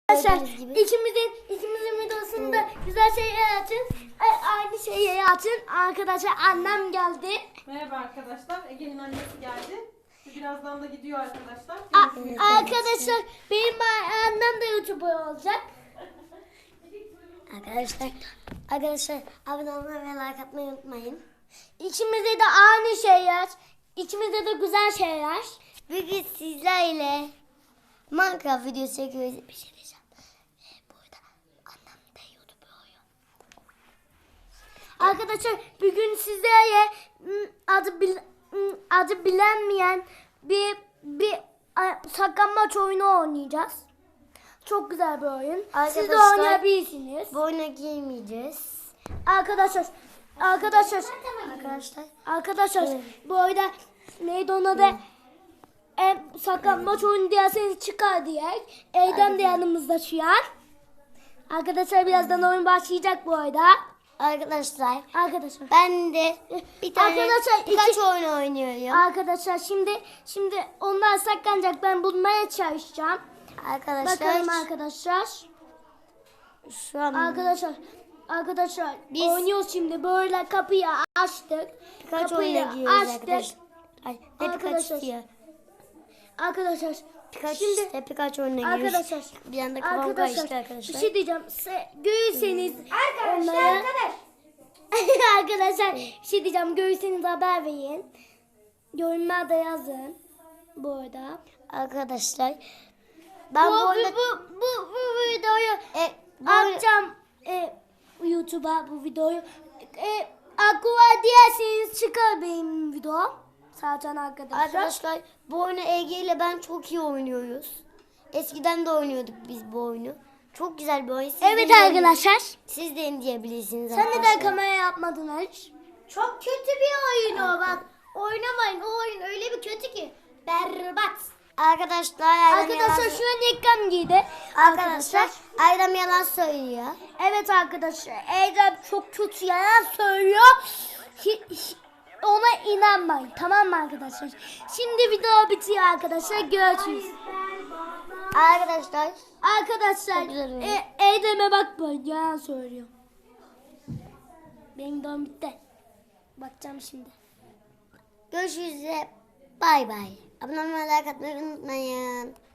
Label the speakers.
Speaker 1: Arkadaşlar ikimizin videosunda güzel şeyler açın. Aynı şeyleri açın. Arkadaşlar annem geldi.
Speaker 2: Merhaba arkadaşlar. Ege'nin annesi geldi. Birazdan da gidiyor arkadaşlar.
Speaker 1: Arkadaşlar benim annem de YouTuber olacak. Arkadaşlar abone olmayı ve like atmayı unutmayın. İçimizde de aynı şeyler. İçimizde de güzel şeyler. Bugün sizlerle Minecraft videosu çekiyoruz. Bir şey diyeceğim. Burada annem de YouTuber oluyor. Arkadaşlar bugün sizlerle adı bilinmeyen bir saklanmaç oyunu oynayacağız. Çok güzel bir oyun. Siz de oynayabilirsiniz.
Speaker 3: Bu oyuna girmeyeceğiz.
Speaker 1: Arkadaşlar bu oyunda neydi ona da saklanmaç oyunu diyerseniz çıkar diye. Erdem de yanımızda şu an. Arkadaşlar birazdan oyun başlayacak bu arada.
Speaker 3: Arkadaşlar
Speaker 1: Arkadaşlar
Speaker 3: ben de bir tane birkaç oyun oynuyorum.
Speaker 1: Arkadaşlar şimdi onlar saklanacak, ben bulmaya çalışacağım. Bakalım arkadaşlar.
Speaker 3: Şu an
Speaker 1: Arkadaşlar
Speaker 3: Biz
Speaker 1: oynuyoruz şimdi, böyle kapıyı açtık.
Speaker 3: birkaç
Speaker 1: Kapıyı
Speaker 3: oyuna giriyoruz
Speaker 1: açtık.
Speaker 3: arkadaşlar. Ay, ne
Speaker 1: Arkadaşlar,
Speaker 3: birkaç diyor.
Speaker 1: Arkadaşlar şimdi
Speaker 3: Birkaç oyuna giriyoruz.
Speaker 1: arkadaşlar
Speaker 3: Bir anda kafam karıştı arkadaşlar.
Speaker 1: bir şey diyeceğim. Görürseniz onları arkadaşlar bir şey diyeceğim. Görürseniz haber verin. Yorumlarda yazın. Bu arada.
Speaker 3: Arkadaşlar ben bu oyunda
Speaker 1: bu videoyu atacağım YouTube'a, bu videoyu. Aklıma diyerseniz çıkar benim videom. Zaten
Speaker 3: arkadaşlar bu oyunu Ege ile ben çok iyi oynuyoruz. Eskiden de oynuyorduk biz bu oyunu. Çok güzel bir oyun.
Speaker 1: Evet arkadaşlar.
Speaker 3: Siz de indirebilirsiniz
Speaker 1: Sen
Speaker 3: arkadaşlar.
Speaker 1: neden kamera yapmadın Aliş?
Speaker 3: Çok kötü bir oyun o, bak. Oynamayın, o oyun öyle bir kötü ki. Berbat. Arkadaşlar
Speaker 1: Şu an ekran giydi.
Speaker 3: Arkadaşlar Erdem yalan söylüyor.
Speaker 1: Evet arkadaşlar. Erdem çok kötü yalan söylüyor. Ona inanmayın. Tamam mı arkadaşlar? Şimdi video bitiyor arkadaşlar. Görüşürüz.
Speaker 3: Arkadaşlar
Speaker 1: Arkadaşlar Erdem'e bakmayın. Yalan söylüyor. Benim videom bitti. Bakacağım şimdi.
Speaker 3: görüşürüz. Bay bay. Abone olmayı, like atmayı unutmayın.